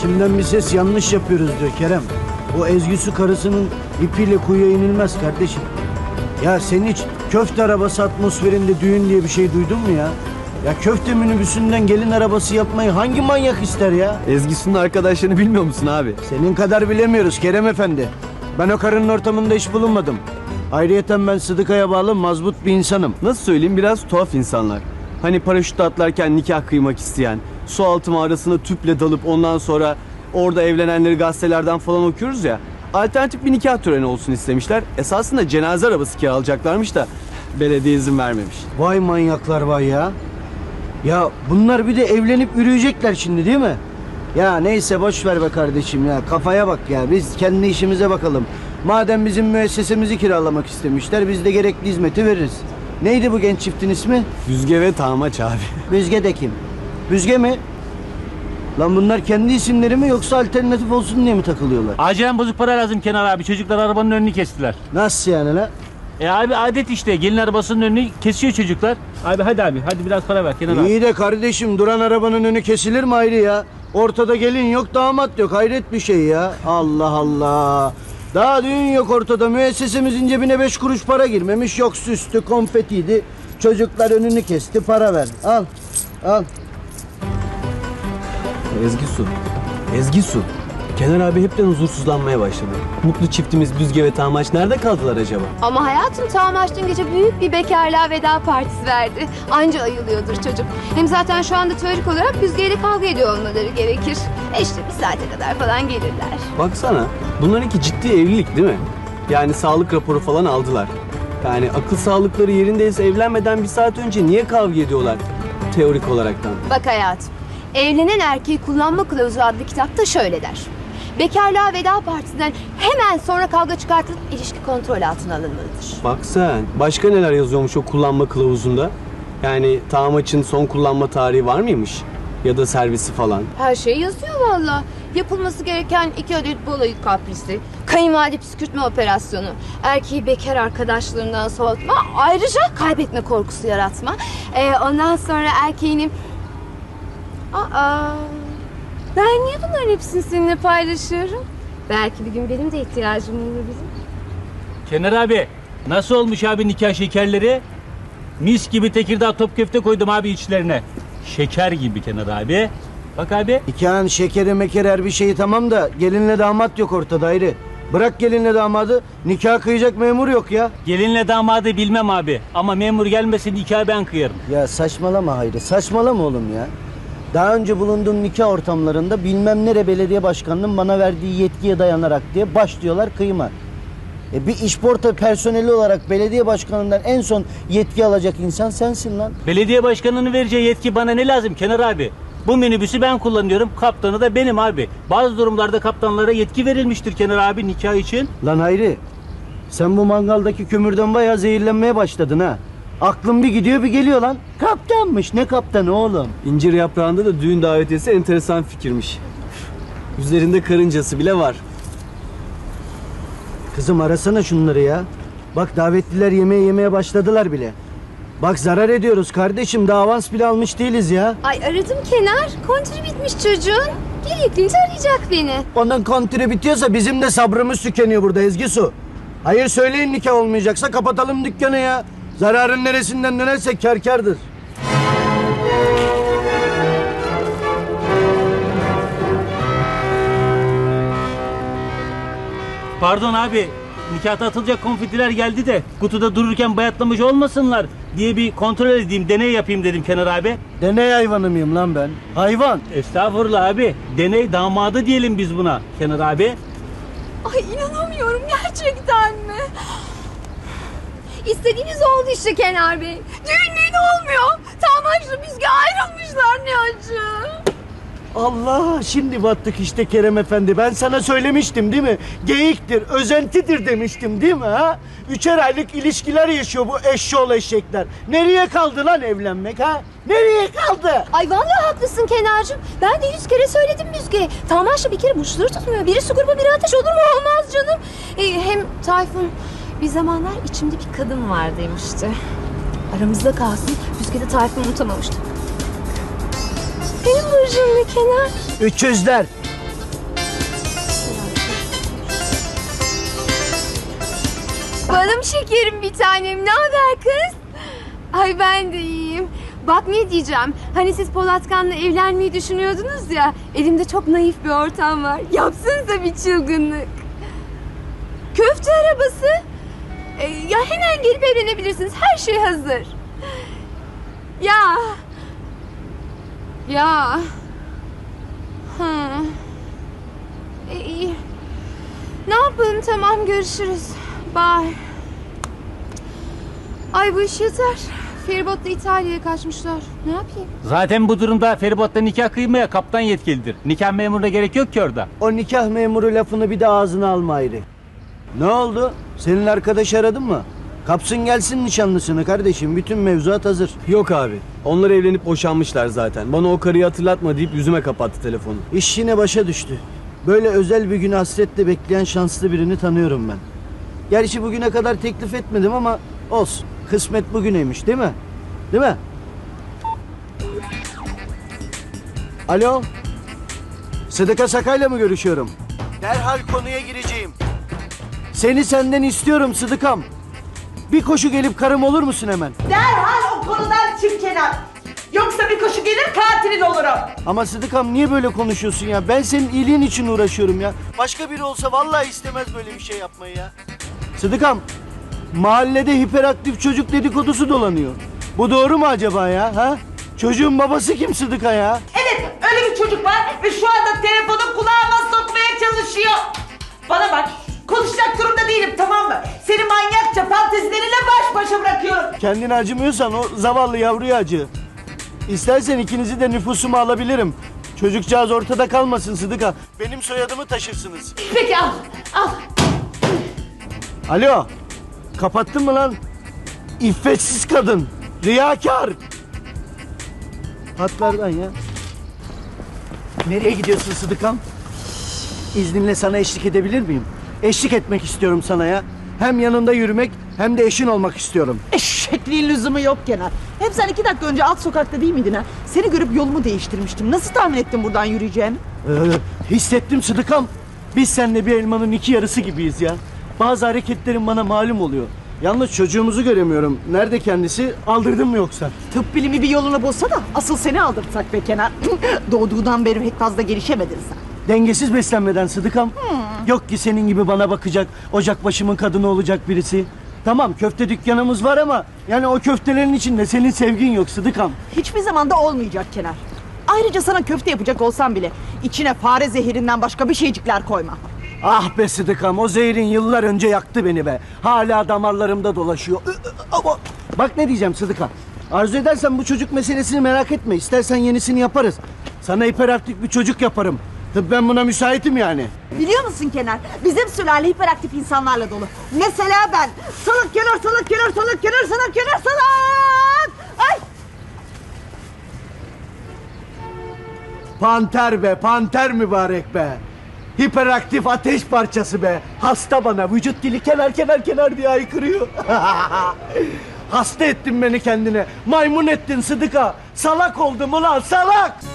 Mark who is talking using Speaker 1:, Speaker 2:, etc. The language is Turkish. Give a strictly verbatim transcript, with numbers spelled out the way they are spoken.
Speaker 1: İçimden bir ses yanlış yapıyoruz diyor Kerem. O Ezgisu karısının ipiyle kuyuya inilmez kardeşim. Ya sen hiç köfte arabası atmosferinde düğün diye bir şey duydun mu ya? Ya köfte minibüsünden gelin arabası yapmayı hangi manyak ister ya?
Speaker 2: Ezgisu'nun arkadaşlarını bilmiyor musun abi?
Speaker 1: Senin kadar bilemiyoruz Kerem Efendi. Ben o karının ortamında hiç bulunmadım. Ayrıyeten ben Sıdıkaya bağlı mazbut bir insanım.
Speaker 2: Nasıl söyleyeyim, biraz tuhaf insanlar. Hani paraşütle atlarken nikah kıymak isteyen, su altı mağarasına tüple dalıp ondan sonra orada evlenenleri gazetelerden falan okuyoruz ya. Alternatif bir nikah töreni olsun istemişler. Esasında cenaze arabası kiralayacaklarmış da belediye izin vermemiş.
Speaker 1: Vay manyaklar vay ya. Ya bunlar bir de evlenip yürüyecekler şimdi değil mi? Ya neyse boş ver be kardeşim ya. Kafaya bak ya. Biz kendi işimize bakalım. Madem bizim müessesemizi kiralamak istemişler, biz de gerekli hizmeti veririz. Neydi bu genç çiftin ismi?
Speaker 2: Büzge ve Tağmaç abi.
Speaker 1: Büzge de kim? Büzge mi? Lan bunlar kendi isimleri mi yoksa alternatif olsun diye mi takılıyorlar?
Speaker 3: Acilen bozuk para lazım Kenar abi. Çocuklar arabanın önünü kestiler.
Speaker 1: Nasıl yani la?
Speaker 3: E abi adet işte. Gelin arabasının önünü kesiyor çocuklar. Abi hadi abi. Hadi biraz para ver Kenar abi.
Speaker 1: İyi de kardeşim duran arabanın önü kesilir mi ayrı ya? Ortada gelin yok, damat yok. Hayret bir şey ya. Allah Allah. Daha düğün yok ortada. Müessesemizin cebine beş kuruş para girmemiş. Yok süslü, konfetiydi. Çocuklar önünü kesti, para ver. Al, al.
Speaker 2: Ezgisu. Ezgisu. Kenar abi hepten huzursuzlanmaya başladı. Mutlu çiftimiz Büzge ve Tağmaç nerede kaldılar acaba?
Speaker 4: Ama hayatım Tağmaç dün gece büyük bir bekarlığa veda partisi verdi. Anca ayılıyordur çocuk. Hem zaten şu anda teorik olarak Büzge'yle kavga ediyor olmaları gerekir. E işte bir saate kadar falan gelirler.
Speaker 2: Baksana, bunlarınki ciddi evlilik değil mi? Yani sağlık raporu falan aldılar. Yani akıl sağlıkları yerindeyse evlenmeden bir saat önce niye kavga ediyorlar teorik olaraktan?
Speaker 4: Bak hayatım, Evlenen Erkeği Kullanma Kılavuzu adlı kitapta şöyle der. Bekarlığa veda partisinden hemen sonra kavga çıkartılıp ilişki kontrol altına alınmalıdır.
Speaker 2: Bak sen, başka neler yazıyormuş o kullanma kılavuzunda? Yani Tağmaç'ın son kullanma tarihi var mıymış? Ya da servisi falan.
Speaker 4: Her şey yazıyor valla. Yapılması gereken iki adet baloyu kaprisi, kayınvalide püskürtme operasyonu, erkeği bekar arkadaşlarından soğutma, ayrıca kaybetme korkusu yaratma. Ee, ondan sonra erkeğinin... Aa, ben niye bunların hepsini seninle paylaşıyorum? Belki bir gün benim de ihtiyacım olur bizim.
Speaker 3: Kenar abi. Nasıl olmuş abi nikah şekerleri? Mis gibi Tekirdağ top köfte koydum abi içlerine. Şeker gibi Kenar abi. Bak abi.
Speaker 1: Nikahın şekeri mekeri her bir şeyi tamam da gelinle damat yok ortada ayrı. Bırak gelinle damadı, nikah kıyacak memur yok ya.
Speaker 3: Gelinle damadı bilmem abi. Ama memur gelmesin nikahı ben kıyarım.
Speaker 1: Ya saçmalama Hayri, saçmalama oğlum ya. Daha önce bulunduğum nikah ortamlarında bilmem nere belediye başkanının bana verdiği yetkiye dayanarak diye başlıyorlar kıyma. E bir işporta personeli olarak belediye başkanından en son yetki alacak insan sensin lan.
Speaker 3: Belediye başkanının vereceği yetki bana ne lazım Kenar abi? Bu minibüsü ben kullanıyorum, kaptanı da benim abi. Bazı durumlarda kaptanlara yetki verilmiştir Kenar abi nikah için.
Speaker 1: Lan Hayri, sen bu mangaldaki kömürden bayağı zehirlenmeye başladın ha. Aklın bir gidiyor bir geliyor lan. Kaptanmış, ne kaptanı oğlum?
Speaker 2: İncir yaprağında da düğün davetiyesi enteresan fikirmiş. Üzerinde karıncası bile var.
Speaker 1: Kızım arasana şunları ya. Bak davetliler yemeği yemeye başladılar bile. Bak zarar ediyoruz kardeşim, daha avans bile almış değiliz ya.
Speaker 4: Ay aradım Kenar, kontürü bitmiş çocuğun. Gerektiğince arayacak beni.
Speaker 1: Onun kontürü bitiyorsa bizim de sabrımız tükeniyor burada Ezgisu. Hayır söyleyin nikah olmayacaksa kapatalım dükkanı ya. Zararın neresinden dönerse kâr kârdır.
Speaker 3: Pardon abi, nikahta atılacak konfetiler geldi de kutuda dururken bayatlamış olmasınlar diye bir kontrol edeyim, deney yapayım dedim Kenar abi.
Speaker 1: Deney hayvanı mıyım lan ben? Hayvan.
Speaker 3: Estağfurullah abi, deney damadı diyelim biz buna Kenar abi.
Speaker 4: Ay inanamıyorum gerçekten mi? İstediğiniz oldu işte Kenar Bey. Düğün düğün olmuyor. Tamaşla Büzge ayrılmışlar ne acı.
Speaker 1: Allah şimdi battık işte Kerem Efendi. Ben sana söylemiştim değil mi? Geyiktir, özentidir demiştim değil mi ha? Üçer aylık ilişkiler yaşıyor bu eşşoğlu eşekler. Nereye kaldı lan evlenmek ha? Nereye kaldı?
Speaker 4: Ay vallahi haklısın Kenar'cığım. Ben de yüz kere söyledim Büzge'ye. Tamaşla bir kere burçları tutmuyor. Biri su grubu biri ateş olur mu? Olmaz canım. Ee, hem Tayfun bir zamanlar içimde bir kadın var demişti. Aramızda kalsın. Büzge de Tayfun'u unutamamıştı. Benim burcum ne Kenar?
Speaker 1: Üçüzler.
Speaker 4: Balım şekerim bir tanem. Ne haber kız? Ay ben de iyiyim. Bak ne diyeceğim. Hani siz Polatkan'la evlenmeyi düşünüyordunuz ya. Elimde çok naif bir ortam var. Yapsanıza bir çılgınlık. Köfte arabası. Ee, ya hemen gelip evlenebilirsiniz. Her şey hazır. Ya. Ya. Hı. E, iyi. Ne yapalım, tamam, görüşürüz. Bye. Ay bu iş yeter. Feribotla İtalya'ya kaçmışlar. Ne yapayım?
Speaker 3: Zaten bu durumda feribotla nikah kıymaya kaptan yetkilidir. Nikah memuruna gerek yok ki orada.
Speaker 1: O nikah memuru lafını bir de ağzına alma ayrı. Ne oldu? Senin arkadaş aradın mı? Kapsın gelsin nişanlısını kardeşim. Bütün mevzuat hazır.
Speaker 2: Yok abi. Onlar evlenip boşanmışlar zaten. Bana o karıyı hatırlatma deyip yüzüme kapattı telefonu.
Speaker 1: İş yine başa düştü. Böyle özel bir günü hasretle bekleyen şanslı birini tanıyorum ben. Gerçi bugüne kadar teklif etmedim ama olsun. Kısmet bugüneymiş değil mi? Değil mi? Alo? Sıdıka Sakay'la mı görüşüyorum? Derhal konuya gireceğim. Seni senden istiyorum Sıdıkam. Bir koşu gelip karım olur musun hemen?
Speaker 5: Derhal o konudan çık Kenan. Yoksa bir koşu gelir katilin olurum.
Speaker 1: Ama Sıdıkam niye böyle konuşuyorsun ya? Ben senin iyiliğin için uğraşıyorum ya. Başka biri olsa vallahi istemez böyle bir şey yapmayı ya. Sıdıkam, mahallede hiperaktif çocuk dedikodusu dolanıyor. Bu doğru mu acaba ya? Ha? Çocuğun babası kim Sıdıka ya?
Speaker 5: Evet, öyle bir çocuk var ve şu anda telefonu kulağıma sokmaya çalışıyor. Bana bak, konuşacak durumda değilim, tamam mı? Seni manyakça fantezileriyle baş başa bırakıyorum.
Speaker 1: Kendine acımıyorsan o zavallı yavruya acı. İstersen ikinizi de nüfusuma alabilirim. Çocukcağız ortada kalmasın Sıdıka. Benim soyadımı taşırsınız.
Speaker 5: Peki al, al.
Speaker 1: Alo, kapattın mı lan? İffetsiz kadın, riyakar. Hatlardan ya. Nereye gidiyorsun Sıdıkam? İzninle sana eşlik edebilir miyim? Eşlik etmek istiyorum sana ya. Hem yanında yürümek hem de eşin olmak istiyorum.
Speaker 5: Eşekliğin lüzumu yok Kenan. Hem sen iki dakika önce alt sokakta değil miydin ha? Seni görüp yolumu değiştirmiştim. Nasıl tahmin ettin buradan yürüyeceğimi?
Speaker 1: Ee, hissettim Sıdıkam. Biz seninle bir elmanın iki yarısı gibiyiz ya. Bazı hareketlerin bana malum oluyor. Yalnız çocuğumuzu göremiyorum. Nerede kendisi? Aldırdın mı yoksa?
Speaker 5: Tıp bilimi bir yolunu bulsa da asıl seni aldırtsak be Kenan. Doğduğundan beri pek fazla gelişemedin sen.
Speaker 1: Dengesiz beslenmeden Sıdıkam. Yok ki senin gibi bana bakacak, ocak başımın kadını olacak birisi. Tamam, köfte dükkanımız var ama yani o köftelerin içinde senin sevgin yok Sıdıkam.
Speaker 5: Hiçbir zaman da olmayacak Kenar. Ayrıca sana köfte yapacak olsam bile içine fare zehirinden başka bir şeycikler koyma.
Speaker 1: Ah be Sıdıkam, o zehrin yıllar önce yaktı beni be. Hala damarlarımda dolaşıyor. Ama bak ne diyeceğim Sıdıka. Arzu edersen bu çocuk meselesini merak etme. İstersen yenisini yaparız. Sana hiperaktif bir çocuk yaparım. Tabii ben buna müsaitim yani.
Speaker 5: Biliyor musun Kenar? Bizim sülale hiperaktif insanlarla dolu. Mesela ben. Salak Kenar, salak Kenar, salak Kenar, salak Kenar, salak! Ay!
Speaker 1: Panter be, panter mübarek be. Hiperaktif ateş parçası be. Hasta bana, vücut dili kenar kenar kenar diye haykırıyor. Hasta ettin beni kendine. Maymun ettin Sıdıka. Salak oldum ulan, salak.